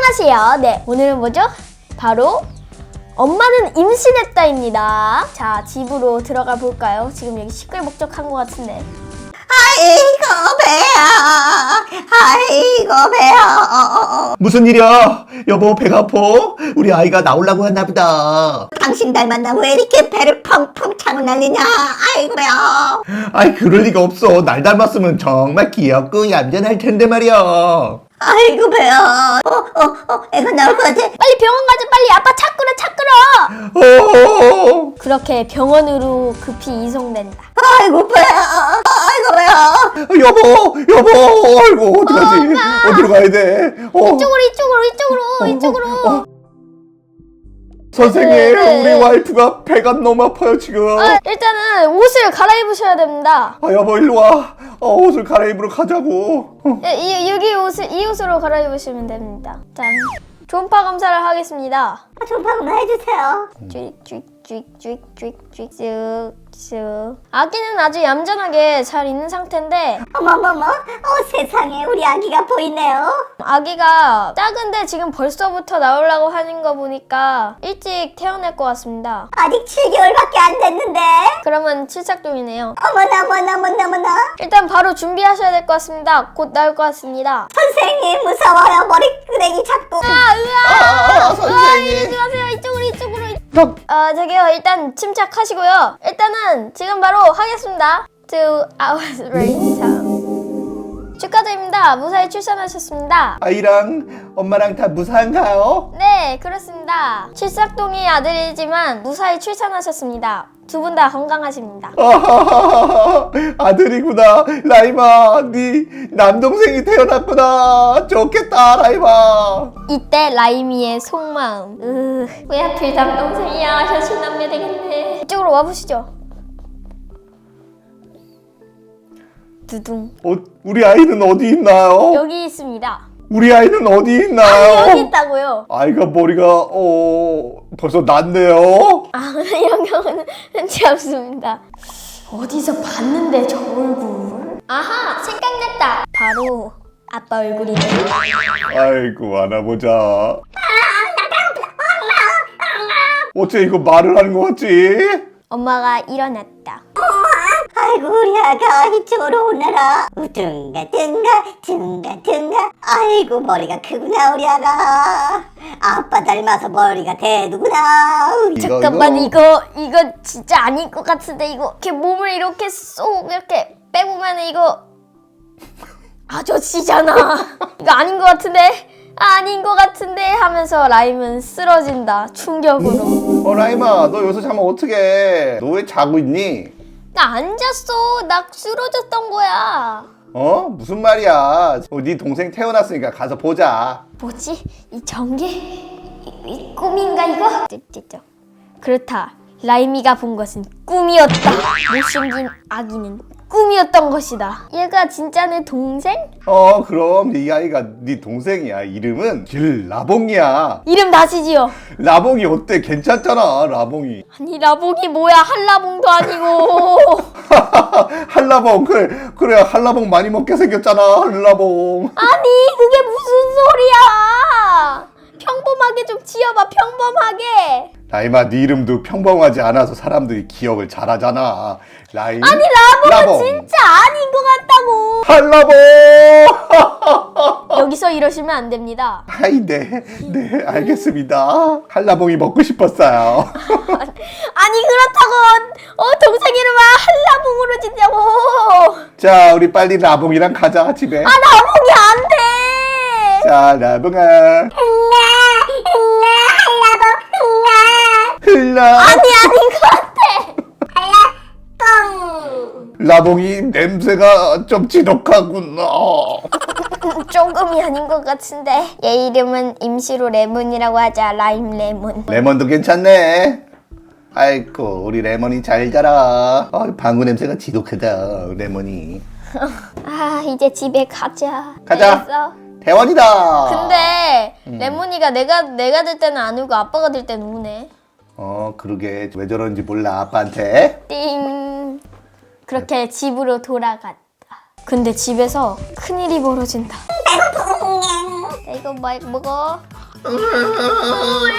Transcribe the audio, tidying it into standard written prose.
안녕하세요. 네, 오늘은 뭐죠? 바로 엄마는 임신했다입니다. 자, 집으로 들어가 볼까요? 지금 여기 시끌벅적한 것 같은데. 아이고 배야, 아이고 배야. 무슨 일이야? 여보 배가 아파? 우리 아이가 나오려고 했나 보다. 당신 닮았나 왜 이렇게 배를 펑펑 차고 난리냐? 아이고 배야. 아이 그럴 리가 없어. 날 닮았으면 정말 귀엽고 얌전할 텐데 말이야. 아이고 배야. 애가 나올 것 같아. 빨리 병원 가자. 빨리 아빠 차 끌어. 어. 그렇게 병원으로 급히 이송된다. 아이고 배야, 아이고 배야. 여보, 아이고 어떡하지? 어디로 가야 돼? 이쪽으로. 선생님, 네. 우리 와이프가 배가 너무 아파요 지금. 일단은 옷을 갈아입으셔야 됩니다. 여보 일로 와. 옷을 갈아입으러 가자고. 이 옷으로 갈아입으시면 됩니다. 짠. 초음파 검사를 하겠습니다. 좀 방금 해주세요. 쭉. 아기는 아주 얌전하게 잘 있는 상태인데 어머머머, 세상에 우리 아기가 보이네요. 아기가 작은데 지금 벌써부터 나오려고 하는 거 보니까 일찍 태어날 것 같습니다. 아직 7개월밖에 안 됐는데. 그러면 칠삭동이네요. 어머나. 일단 바로 준비하셔야 될 것 같습니다. 곧 나올 것 같습니다. 선생님 무서워요. 머리끄댕이 자꾸. 선생님. 들어가세요. 이쪽으로. 저기요. 일단 침착하시고요. 일단은 지금 바로 하겠습니다. 2 hours later. 축하드립니다. 무사히 출산하셨습니다. 아이랑 엄마랑 다 무사한가요? 네, 그렇습니다. 칠삭동이 아들이지만 무사히 출산하셨습니다. 두 분 다 건강하십니다. 아들이구나. 라임아, 네 남동생이 태어났구나. 좋겠다, 라임아. 이때 라이미의 속마음. 왜 하필 남동생이야. 현실 남매 되겠네. 이쪽으로 와보시죠. 두둥. 우리 아이는 어디 있나요? 여기 있습니다. 우리 아이는 어디 있나요? 여기 있다고요. 아이가 머리가 벌써 났네요. 이런 경우는 흔치 없습니다. 어디서 봤는데 저 얼굴? 아하, 생각났다. 바로 아빠 얼굴이네. 아이고 안아보자. 어째 이거 말을 하는 것 같지? 엄마가 일어났다. 아이고 우리 아가 이쪽으로 오너라. 둥가. 아이고 머리가 크구나 우리 아가. 아빠 닮아서 머리가 대두구나. 잠깐만 이거 진짜 아닌 것 같은데 이거 이렇게 몸을 이렇게 쏙 이렇게 빼보면 이거 아저씨잖아. 이거 아닌 것 같은데 하면서 라임은 쓰러진다. 충격으로. 라임아 너 여기서 자면 어떡해? 너 왜 자고 있니? 나 안 잤어. 나 쓰러졌던 거야. 무슨 말이야? 네 동생 태어났으니까 가서 보자. 뭐지? 이 전개? 이 꿈인가 이거? 쯧쯧쯧. 그렇다. 라임이가 본 것은 꿈이었다. 못생긴 아기는 꿈이었던 것이다. 얘가 진짜 내 동생? 그럼 이 아이가 네 동생이야. 이름은 길라봉이야. 이름 다시 지어. 라봉이 어때? 괜찮잖아 라봉이. 아니 라봉이 뭐야. 한라봉도 아니고. 한라봉 그래 한라봉 많이 먹게 생겼잖아 한라봉. 아니 그게 무슨 소리야. 평범하게 좀 지어봐. 평범하게. 라임아 네 이름도 평범하지 않아서 사람들이 기억을 잘하잖아. 라임. 아니 라봉은 진짜 아닌 것 같다고. 한라봉. 여기서 이러시면 안 됩니다. 아이 네 알겠습니다. 한라봉이 먹고 싶었어요. 아니 그렇다고 동생 이름을 한라봉으로 짓냐고. 자 우리 빨리 라봉이랑 가자 집에. 라봉이 안 돼. 자 라봉아. 흘러. 아닌 것 같아. 라봉이 냄새가 좀 지독하구나. 조금이 아닌 것 같은데. 얘 이름은 임시로 레몬이라고 하자. 라임 레몬. 레몬도 괜찮네. 아이고 우리 레몬이 잘 자라. 방구 냄새가 지독하다 레몬이. 이제 집에 가자. 가자. 알겠어? 대원이다. 근데 레몬이가 내가 될 때는 안 울고 아빠가 될 때는 우네. 그러게 왜 저런지 몰라 아빠한테. 띵. 그렇게 집으로 돌아갔다. 근데 집에서 큰일이 벌어진다. 이거 뭐 먹어? 왜